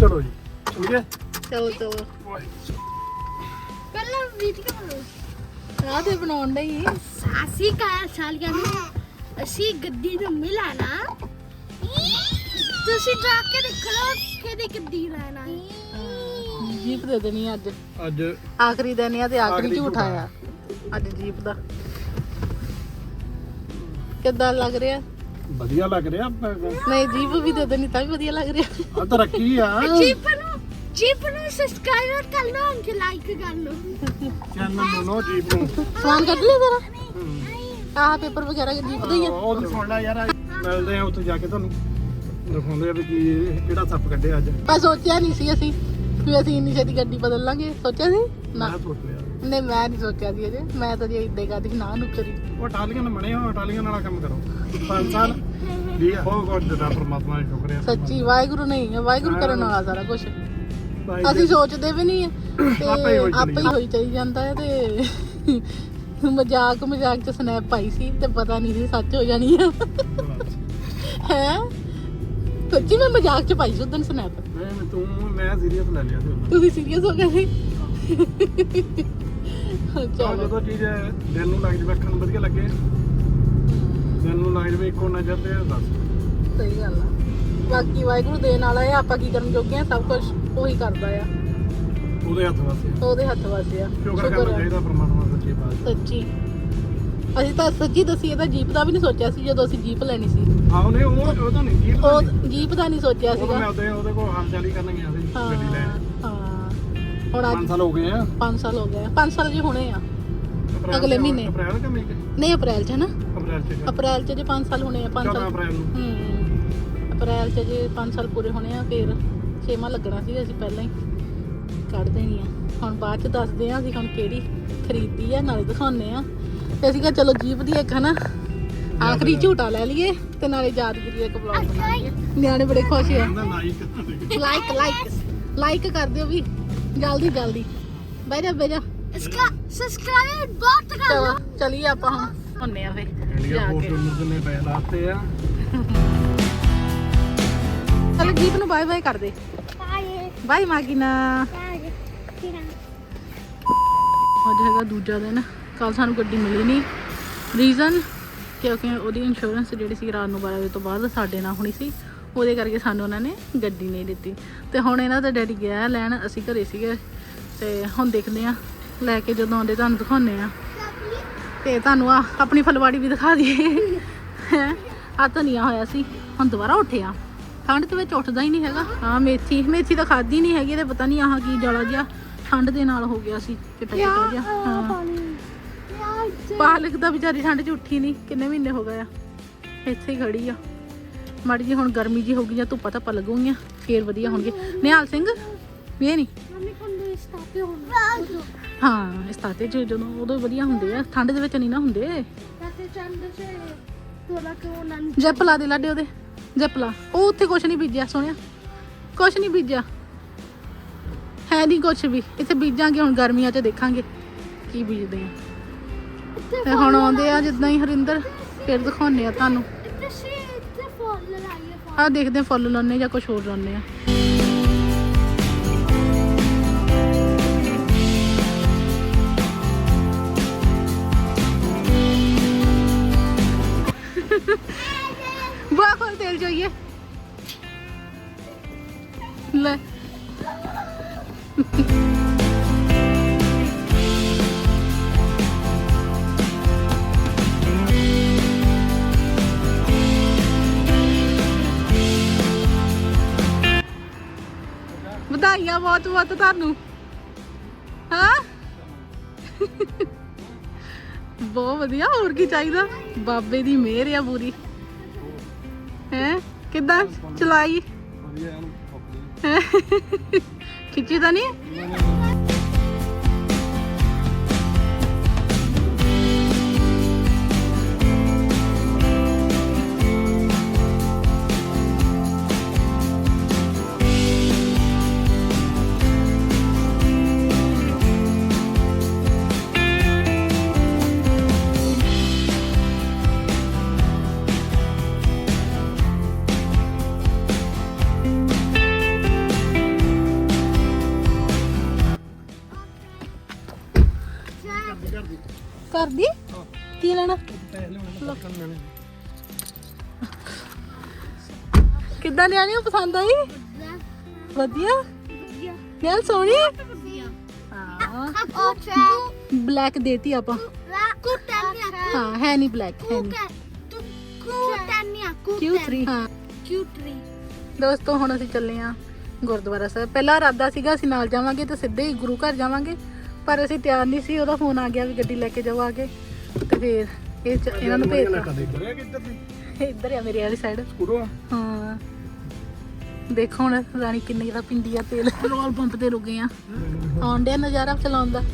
ਚਲੋ ਜੀ ਠੀਕ ਹੈ ਚਲੋ ਚਲੋ ਪਹਿਲਾਂ ਵੀਡੀਓ ਬਣਾਓ ਰਾਹ ਤੇ ਬਣਾਉਣ ਦਾ ਹੀ ਸਾਸੀ ਕਾਇਆ ਸਾਲੀਆਂ ਨੂੰ ਅਸੀਂ ਗੱਡੀ ਨੂੰ ਮਿਲਾਣਾ ਤੁਸੀਂ ਜਾ ਕੇ ਦੇਖ ਲਓ ਕਿਹਦੀ ਗੱਡੀ ਲੈਣਾ ਜੀਪ ਦੇ ਦੇਣੀ ਅੱਜ ਅੱਜ ਆਖਰੀ ਦਿਨ ਆ ਤੇ ਆਖਰੀ ਆਖਰੀ ਝੂਠ ਝੂਠ ਆਇਆ ਅੱਜ ਜੀਪ ਦਾ ਕਿੱਦਾਂ ਲੱਗ ਰਿਹਾ ਵਧੀਆ ਲੱਗ ਰਿਹਾ ਨਹੀਂ ਜੀਪ ਵੀ ਦੇ ਦੇਣੀ ਤਾਂ ਵੀ ਵਧੀਆ ਲੱਗ ਰਿਹਾ ਆ ਤਰੱਕੀ ਆ ਜੀਪ ਨੂੰ ਸਬਸਕ੍ਰਾਈਬ ਕਰ ਲਓ ਅੰਕ ਲਾਈਕ ਕਰ ਲਓ ਚੈਨਲ ਨੂੰ ਜੀਪ ਨੂੰ ਸਮਾਨ ਕੱਢ ਲਿਆ ਤੇਰਾ ਆਹ ਪੇਪਰ ਵਗੈਰਾ ਜੀਪ ਦਾ ਹੀ ਆ ਉਹ ਤਾਂ ਸੁਣ ਲੈ ਯਾਰ ਮਿਲਦੇ ਆ ਉੱਥੇ ਜਾ ਕੇ ਤੁਹਾਨੂੰ ਦਿਖਾਉਂਦੇ ਆ ਵੀ ਕੀ ਕਿਹੜਾ ਸੱਪ ਕੱਢਿਆ ਅੱਜ ਮੈਂ ਸੋਚਿਆ ਨਹੀਂ ਸੀ ਅਸੀਂ ਵੀ ਅਸੀਂ ਇੰਨੀ ਛੇਤੀ ਗੱਡੀ ਬਦਲ ਲਾਂਗੇ ਸੋਚਿਆ ਸੀ ਨਾ ਮੈਂ ਸੋਚ ਲਿਆ ਨਹੀਂ ਮੈਂ ਨਹੀਂ ਸੋਚਿਆ ਸੀ ਅਜੇ ਮੈਂ ਤਾਂ ਜੇ ਇੱਦਾਂ ਕਰਦੀ ਨਾ ਨੁਕਰੀ ਉਹ ਟਾਲੀਆਂ ਨਾਲ ਬਣੇ ਹੋ ਟਾਲੀਆਂ ਨਾਲ ਕੰਮ ਕਰੋ 5 ਸਾਲ ਵੀ ਬਹੁਤ ਬਹੁਤ ਦਾ ਪਰਮਾਤਮਾ ਦਾ ਸ਼ੁਕਰ ਹੈ ਸੱਚੀ ਵਾਹਿਗੁਰੂ ਨਹੀਂ ਹੈ ਵਾਹਿਗੁਰੂ ਕਰਨ ਵਾਲਾ ਸਾਰਾ ਕੁਝ ਭਾਈ ਅਸੀਂ ਸੋਚਦੇ ਵੀ ਨਹੀਂ ਹੈ ਤੇ ਆਪੇ ਹੀ ਹੋਈ ਆਪੇ ਹੀ ਹੋਈ ਚਲੀ ਜਾਂਦਾ ਹੈ ਤੇ ਮਜ਼ਾਕ ਚ ਸਨੈਪ ਪਾਈ ਸੀ ਤੇ ਪਤਾ ਨਹੀਂ ਸੀ ਸੱਚ ਹੋ ਜਾਣੀ ਆ ਹੈ ਸੱਚੀ ਮੈਂ ਮਜ਼ਾਕ ਚ ਪਾਈ ਸੀ ਉਦੋਂ ਸਨੈਪ ਮੈਂ ਸੀਰੀਅਸ ਲੈ ਲਿਆ ਸੀ ਉਦੋਂ। ਤੁਸੀਂ ਸੀਰੀਅਸ ਹੋ ਗਏ ਸੀ ਆਹ ਚਲੋ ਜਦੋਂ ਚੀਜ਼ ਦਿਲ ਨੂੰ ਲੱਗ ਜਾਵੇ ਅੱਖਾਂ ਨੂੰ ਵਧੀਆ ਲੱਗੇ ਦਿਲ ਨੂੰ ਲੱਗ ਜਾਵੇ ਇੱਕੋ ਨਜ਼ਰ ਤੇ ਬਸ ਸਹੀ ਗੱਲ ਆ ਬਾਕੀ ਵਾਹਿਗੁਰੂ ਦੇਣ ਵਾਲਾ ਹੈ ਆਪਾਂ ਕੀ ਕਰਨ ਜੋਗੇ ਆ ਸਭ ਕੁਝ ਉਹੀ ਕਰਦਾ ਆ ਉਹਦੇ ਹੱਥ ਵਾਸਤੇ ਉਹਦੇ ਹੱਥ ਵਾਸੀ ਆ ਸ਼ੁਕਰ ਕਰਨਾ ਚਾਹੀਦਾ ਪਰਮਾਤਮਾ ਸੱਚੀ ਬਾਤ ਸੱਚੀ ਅਸੀਂ ਤਾਂ ਸੱਚੀ ਦੱਸੀਏ ਤਾਂ ਜੀਪ ਦਾ ਵੀ ਨਹੀਂ ਸੋਚਿਆ ਸੀ ਜਦੋਂ ਅਸੀਂ ਜੀਪ ਲੈਣੀ ਸੀ ਆਹ ਨੇ ਉਹ ਤਾਂ ਨਹੀਂ ਜੀਪ ਉਹ ਜੀਪ ਦਾ ਨਹੀਂ ਸੋਚਿਆ ਉਹ ਸੀਗਾ ਮੈਂ ਉਹਦੇ ਕੋਲ ਹਾਲ ਚਾਲ ਹੀ ਕਰਨ ਗਿਆ ਸੀ ਗੱਡੀ ਲੈਣ ਹਾਂ ਹੁਣ 5 ਸਾਲ ਹੋ ਗਏ ਆ 5 ਸਾਲ ਹੋ ਗਏ 5 ਸਾਲ ਜੀ ਹੋਣੇ ਆ ਅਗਲੇ ਮਹੀਨੇ। ਅਪ੍ਰੈਲ ਕਿ ਮਈ ਨਹੀਂ ਅਪ੍ਰੈਲ ਚ ਨਾ ਅਪ੍ਰੈਲ ਚ ਅਪ੍ਰੈਲ ਚ ਜੇ 5 ਸਾਲ ਹੋਣੇ ਆ 5 14 ਸਾਲ ਅਪ੍ਰੈਲ ਨੂੰ ਅਪ੍ਰੈਲ ਚ ਜੇ 5 ਸਾਲ ਪੂਰੇ ਹੋਣੇ ਆ ਫਿਰ 6ਵਾਂ ਲੱਗਣਾ ਸੀ ਅਸੀਂ ਪਹਿਲਾਂ ਹੀ ਕੱਢ ਦੇਣੀ ਆ ਹੁਣ ਬਾਅਦ ਚ ਦੱਸਦੇ ਆ ਅਸੀਂ ਹੁਣ ਕਿਹੜੀ ਖਰੀਦੀ ਆ ਨਾਲੇ ਦਿਖਾਉਂਦੇ ਆ ਤੇ ਅਸੀਂ ਕਿਹਾ ਚਲੋ ਜੀਪ ਦੀ ਇੱਕ ਹਨਾ ਆਖਰੀ ਝੂਟਾ ਲੈ ਲਈਏ ਤੇ ਨਾਲੇ ਯਾਦਗਿਰੀ ਦਾ ਇੱਕ ਵਲੌਗ ਬਣਾ ਲਈਏ ਨਿਆਣੇ ਬੜੇ ਖੁਸ਼ ਆ ਲਾਈਕ ਕਰ ਦਿਓ ਵੀ ਜਲਦੀ ਜਲਦੀ ਬਹਿ ਜਾ इसका सब्सक्राइब बहुत कर लो ਚਲੋ ਚਲੀਏ ਆਪਾਂ ਹੁਣ ਹੁੰਨੇ ਆ ਫੇ ਇੰਡੀਆ ਜਾ ਪੋਸਟ ਕੇ ਮੁਰਗ ਨੇ ਪੈ ਲਾਤੇ ਆ ਚਲ ਜੀਪ ਨੂੰ ਬਾਏ ਬਾਏ ਕਰ ਦੇ बाय ਬਾਏ ਮਾਗੀਨਾ बाय ਅੱਜ ਹੈਗਾ ਦੂਜਾ ਦਿਨ ਕੱਲ ਸਾਨੂੰ ਗੱਡੀ ਮਿਲੀ ਨਹੀਂ ਰੀਜ਼ਨ ਕਿਉਂਕਿ ਉਹਦੀ ਇੰਸ਼ੋਰੈਂਸ ਜਿਹੜੀ ਸੀ ਰਾਤ ਨੂੰ 12 ਵਜੇ ਤੋਂ ਬਾਅਦ ਸਾਡੇ ਨਾਲ ਹੋਣੀ ਸੀ ਉਹਦੇ ਕਰਕੇ ਸਾਨੂੰ ਉਹਨਾਂ ਨੇ ਗੱਡੀ ਨਹੀਂ ਦਿੱਤੀ ਤੇ ਹੁਣ ਇਹਨਾਂ ਦਾ ਡੈਡੀ ਗਿਆ ਲੈਣ ਅਸੀਂ ਘਰੇ ਸੀਗੇ ਤੇ ਹੁਣ ਦੇਖਦੇ ਆ ਲੈ ਕੇ ਜਦੋਂ ਆਉਂਦੇ ਤੁਹਾਨੂੰ ਦਿਖਾਉਂਦੇ ਆ ਤੇ ਤੁਹਾਨੂੰ ਆ ਆਪਣੀ ਫਲਵਾੜੀ ਵੀ ਦਿਖਾ ਦਈਏ ਆ ਧਨੀਆ ਹੋਇਆ ਸੀ ਹੁਣ ਦੁਬਾਰਾ ਉੱਠਿਆ ਠੰਡ ਦੇ ਵਿੱਚ ਉੱਠਦਾ ਹੀ ਨਹੀਂ ਹੈਗਾ ਹਾਂ ਮੇਥੀ ਤਾਂ ਖਾਦੀ ਨਹੀਂ ਹੈਗੀ ਤੇ ਪਤਾ ਨਹੀਂ ਆਹ ਕੀ ਜਾਲਾ ਜਿਹਾ ਠੰਡ ਦੇ ਨਾਲ ਹੋ ਗਿਆ ਸੀ ਚਿੱਟਾ ਜਿਹਾ ਹਾਂ ਪਾਲਕ ਤਾਂ ਵਿਚਾਰੀ ਠੰਡ 'ਚ ਉੱਠੀ ਨਹੀਂ ਕਿੰਨੇ ਮਹੀਨੇ ਹੋ ਗਏ ਆ ਇੱਥੇ ਹੀ ਖੜੀ ਆ ਮਾੜੀ ਜੀ ਹੁਣ ਗਰਮੀ ਜੀ ਹੋ ਗਈ ਜਾਂ ਧੁੱਪਾਂ ਧੱਪਾਂ ਲੱਗੂਗੀਆਂ ਫੇਰ ਵਧੀਆ ਹੋਣਗੇ ਨਿਹਾਲ ਸਿੰਘ ਵੀ ਇਹ ਨਹੀਂ मम्मी को स्टार्ट होना ਹਾਂ ਇਸ ਤਾਤੇ 'ਚ ਜਦੋਂ ਉਦੋਂ ਵਧੀਆ ਹੁੰਦੇ ਆ ਠੰਡ ਦੇ ਵਿੱਚ ਨਹੀਂ ਨਾ ਹੁੰਦੇ ताते चंद से थोड़ा क्यों नन ਜੈਪ ਲਾ ਦੇ ਲਾਡੇ ਉਹਦੇ ਜੈਪ ਲਾ ਉਹ ਉੱਥੇ ਕੁਛ ਨਹੀਂ ਬੀਜਿਆ ਸੋਹਣਿਆ ਕੁਛ ਨਹੀਂ ਬੀਜਿਆ ਹੈ ਨਹੀਂ ਕੁਛ ਵੀ ਇੱਥੇ ਬੀਜਾਂਗੇ ਹੁਣ ਗਰਮੀਆਂ 'ਚ ਦੇਖਾਂਗੇ ਕੀ ਬੀਜਦੇ ਆ ਤੇ ਹੁਣ ਆਉਂਦੇ ਆ ਜਿੱਦਾਂ ਹੀ ਹਰਿੰਦਰ ਫਿਰ ਦਿਖਾਉਂਦੇ ਆ ਤੁਹਾਨੂੰ इतने से इतने फॉल लगाइए ਆਹ ਦੇਖਦੇ ਆ ਫੁੱਲ ਲਾਉਣੇ ਜਾਂ ਕੁਛ ਹੋਰ ਲਾਉਣੇ ਆ ਬਾਹਰ ਕੋਲ ਤੇਲ જોઈએ ਲੈ ਵਧਾਈਆਂ ਬਹੁਤ ਬਹੁਤ ਤੁਹਾਨੂੰ ਹਾਂ ਬਹੁਤ ਵਧੀਆ ਹੋਰ ਕੀ ਚਾਹੀਦਾ ਬਾਬੇ ਦੀ ਮਿਹਰ ਆ ਪੂਰੀ ਹੈ ਕਿੱਦਾਂ ਚਲਾਈ ਹੈਂ? ਖਿੱਚੀ ਤਾਂ ਨਹੀਂ ਘਰ ਦੀ ਕੀ ਲੈਣਾ ਕਿੱਦਾਂ ਨਿਆਣੀ ਨੂੰ ਪਸੰਦ ਆਈ ਵਧੀਆ ਨਿਆਣ ਸੋਹਣੀ ਹਾਂ ਬਲੈਕ ਦੇਤੀ ਆਪਾਂ ਹਾਂ ਹੈ ਨਹੀਂ ਬਲੈਕ ਹੈ ਨਹੀਂ Q3 ਹਾਂ ਦੋਸਤੋ ਹੁਣ ਅਸੀਂ ਚੱਲੇ ਆ ਗੁਰਦੁਆਰਾ ਸਾਹਿਬ ਪਹਿਲਾਂ ਇਰਾਦਾ ਸੀਗਾ ਅਸੀਂ ਨਾਲ ਜਾਵਾਂਗੇ ਤੇ ਸਿੱਧੇ ਹੀ ਗੁਰੂ ਘਰ ਜਾਵਾਂਗੇ ਪਰ ਅਸੀਂ ਤਿਆਰ ਨਹੀਂ ਸੀ ਉਹਦਾ ਫੋਨ ਆ ਗਿਆ ਵੀ ਗੱਡੀ ਲੈ ਕੇ ਜਾਓ ਆ ਕੇ ਤੇ ਫਿਰ ਇਹਨਾਂ ਨੂੰ ਭੇਜਤਾ ਇੱਧਰ ਆ ਮੇਰੇ ਵਾਲੀ ਸਾਈਡ ਹਾਂ ਦੇਖੋ ਹੁਣ ਰਾਣੀ ਕਿੰਨੀ ਦਾ ਪਿੰਡੀ ਆ ਤੇਲ ਪੈਟਰੋਲ ਪੰਪ ਤੇ ਰੁਕੇ ਆ ਆਉਣ ਡਿਆ ਨਜ਼ਾਰਾ ਚਲਾਉਣ ਦਾ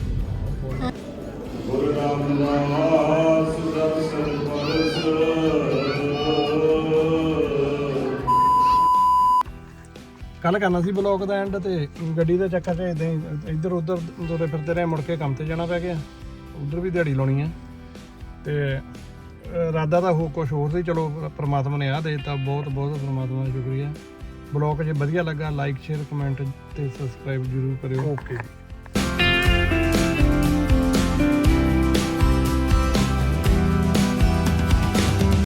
ਕੱਲ ਕਰਨਾ ਸੀ ਬਲੌਗ ਦਾ ਐਂਡ ਤੇ ਗੱਡੀ ਦੇ ਚੱਕਰ 'ਚ ਇਦਾਂ ਹੀ ਇੱਧਰ ਉੱਧਰ ਤੁਰੇ ਫਿਰਦੇ ਰਹੇ ਮੁੜ ਕੇ ਕੰਮ ਤੇ ਜਾਣਾ ਪੈ ਗਿਆ ਉੱਧਰ ਵੀ ਦਿਹਾੜੀ ਲਾਉਣੀ ਆ ਤੇ ਇਰਾਦਾ ਤਾਂ ਕੁਛ ਹੋਰ ਸੀ ਚਲੋ ਪ੍ਰਮਾਤਮਾ ਨੇ ਆਹ ਦੇ ਦਿੱਤਾ ਬਹੁਤ ਬਹੁਤ ਪ੍ਰਮਾਤਮਾ ਦਾ ਸ਼ੁਕਰੀਆ ਬਲੌਗ ਜੇ ਵਧੀਆ ਲੱਗਾ ਲਾਈਕ ਸ਼ੇਅਰ ਕਮੈਂਟ ਤੇ ਸਬਸਕ੍ਰਾਈਬ ਜ਼ਰੂਰ ਕਰਿਓ ਓਕੇ